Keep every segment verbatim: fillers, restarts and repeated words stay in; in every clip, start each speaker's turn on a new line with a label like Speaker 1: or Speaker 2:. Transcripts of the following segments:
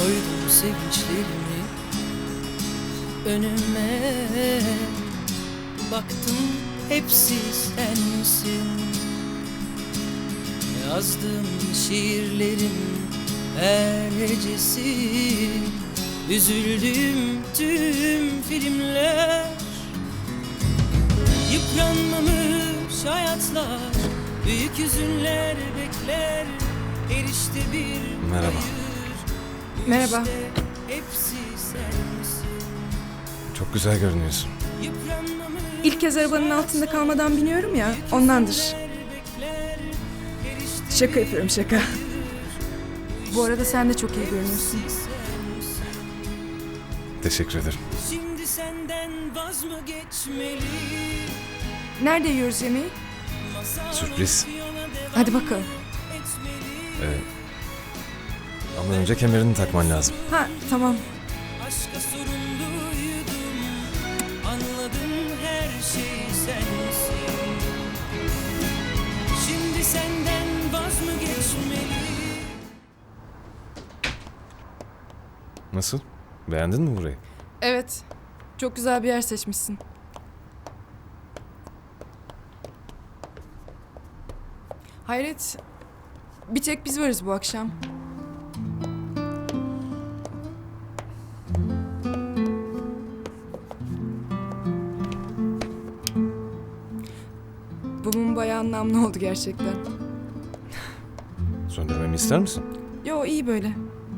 Speaker 1: Koydum sevinçlerimi önüme, baktım hepsi sensin. Yazdığım şiirlerin her hecesi, üzüldüğüm tüm filmler. Yıpranmamış hayatlar, büyük hüzünler bekler. Her işte bir
Speaker 2: Merhaba.
Speaker 1: hayır, bu
Speaker 3: Merhaba.
Speaker 1: işte hepsi sensin.
Speaker 2: Çok güzel görünüyorsun.
Speaker 1: Yıpranmamış
Speaker 3: İlk kez arabanın altında kalmadan biniyorum ya, ondandır. Şaka yapıyorum, şaka. Bu arada sen de çok iyi görünüyorsun.
Speaker 2: Teşekkür ederim.
Speaker 1: Şimdi senden vaz mı geçmeli?
Speaker 3: Nerede yiyoruz yemeği?
Speaker 2: Sürpriz.
Speaker 3: Hadi bakalım.
Speaker 2: Ee, ama önce kemerini takman lazım.
Speaker 3: Ha, tamam.
Speaker 1: Aşka sorumluydum, anladım her şey sensin. Şimdi senden vaz mı geçmeli?
Speaker 2: Nasıl? Beğendin mi burayı?
Speaker 3: Evet, çok güzel bir yer seçmişsin. Hayret, bir tek biz varız bu akşam. Bu mum bayağı anlamlı oldu gerçekten.
Speaker 2: Söndürmemi ister misin?
Speaker 3: Yo, iyi böyle.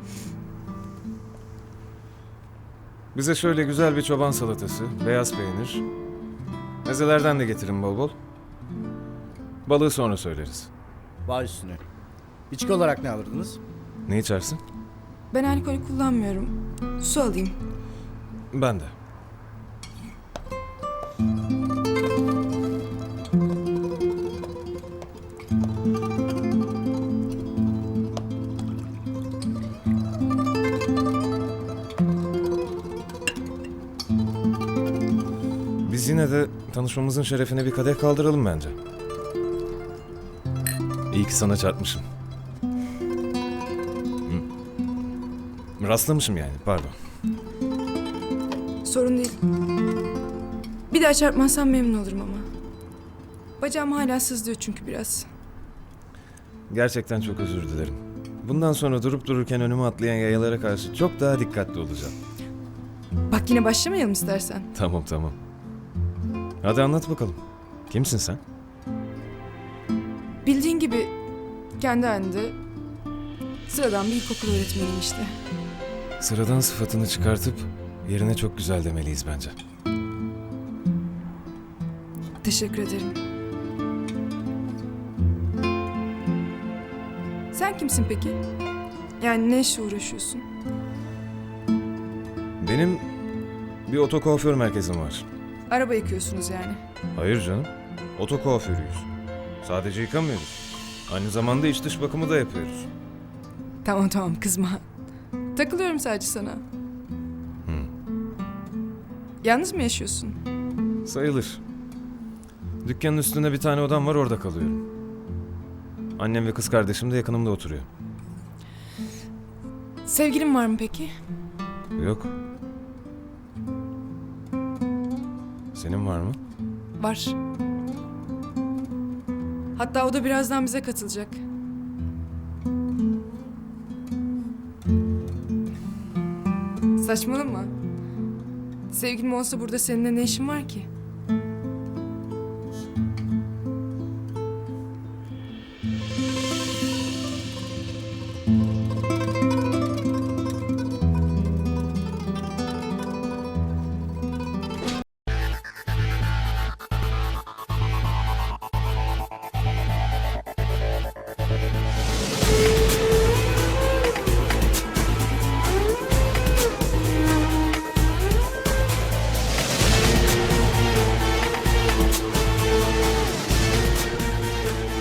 Speaker 2: Bize şöyle güzel bir çoban salatası, beyaz peynir. Mezelerden de getirin bol bol. Balığı sonra söyleriz.
Speaker 4: Baş üstüne. İçki olarak ne alırdınız?
Speaker 2: Ne içersin?
Speaker 3: Ben alkol kullanmıyorum. Su alayım.
Speaker 2: Ben de. Biz yine de tanışmamızın şerefine bir kadeh kaldıralım bence. İyi ki sana çarpmışım. Hı. Rastlamışım yani, pardon.
Speaker 3: Sorun değil. Bir daha çarpmazsam memnun olurum ama. Bacağım hala sızlıyor çünkü biraz.
Speaker 2: Gerçekten çok özür dilerim. Bundan sonra durup dururken önüme atlayan yayalara karşı çok daha dikkatli olacağım.
Speaker 3: Bak, yine başlamayalım istersen.
Speaker 2: Tamam tamam. Hadi anlat bakalım. Kimsin sen?
Speaker 3: Bildiğin gibi kendi halinde sıradan bir ilkokul öğretmeniyim işte.
Speaker 2: Sıradan sıfatını çıkartıp yerine çok güzel demeliyiz bence.
Speaker 3: Teşekkür ederim. Sen kimsin peki? Yani ne işle uğraşıyorsun?
Speaker 2: Benim bir oto kuaför merkezim var.
Speaker 3: Araba yıkıyorsunuz yani.
Speaker 2: Hayır canım. Oto kuaförüyüz. Sadece yıkamıyoruz. Aynı zamanda iç dış bakımı da yapıyoruz.
Speaker 3: Tamam tamam, kızma. Takılıyorum sadece sana. Yalnız mı yaşıyorsun?
Speaker 2: Sayılır. Dükkanın üstünde bir tane odam var, orada kalıyorum. Annem ve kız kardeşim de yakınımda oturuyor.
Speaker 3: Sevgilin var mı peki?
Speaker 2: Yok. Senin var mı?
Speaker 3: Var. Hatta o da birazdan bize katılacak. Saçmalama. Sevgilim olsa burada seninle ne işin var ki?